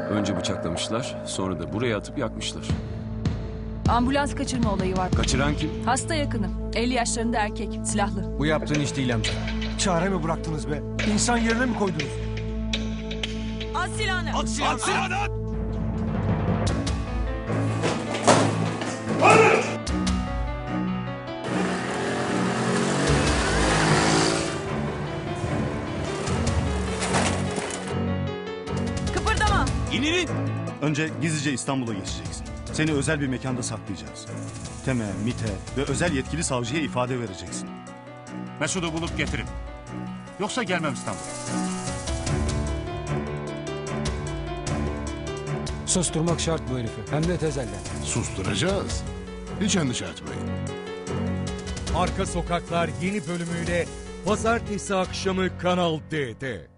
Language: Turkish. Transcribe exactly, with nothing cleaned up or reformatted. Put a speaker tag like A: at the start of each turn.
A: Önce bıçaklamışlar, sonra da buraya atıp yakmışlar.
B: Ambulans kaçırma olayı var.
A: Kaçıran kim?
B: Hasta yakını. elli yaşlarında erkek. Silahlı.
C: Bu yaptığın iş değil amca.
D: Çare mi bıraktınız be? İnsan yerine mi koydunuz?
B: At silahını.
C: At silahını! At silahını! At!
B: Kıpırdama.
C: İnin!
E: Önce gizlice İstanbul'a geçeceksin. Seni özel bir mekanda saklayacağız. Tem'e, MİT'e ve özel yetkili savcıya ifade vereceksin.
F: Mesut'u bulup getirin. Yoksa gelmem İstanbul'a.
C: Susturmak şart bu herifi. Hem de tezelden.
G: Susturacağız. Hiç endişe etmeyin.
H: Arka Sokaklar yeni bölümüyle Pazartesi akşamı Kanal D'de.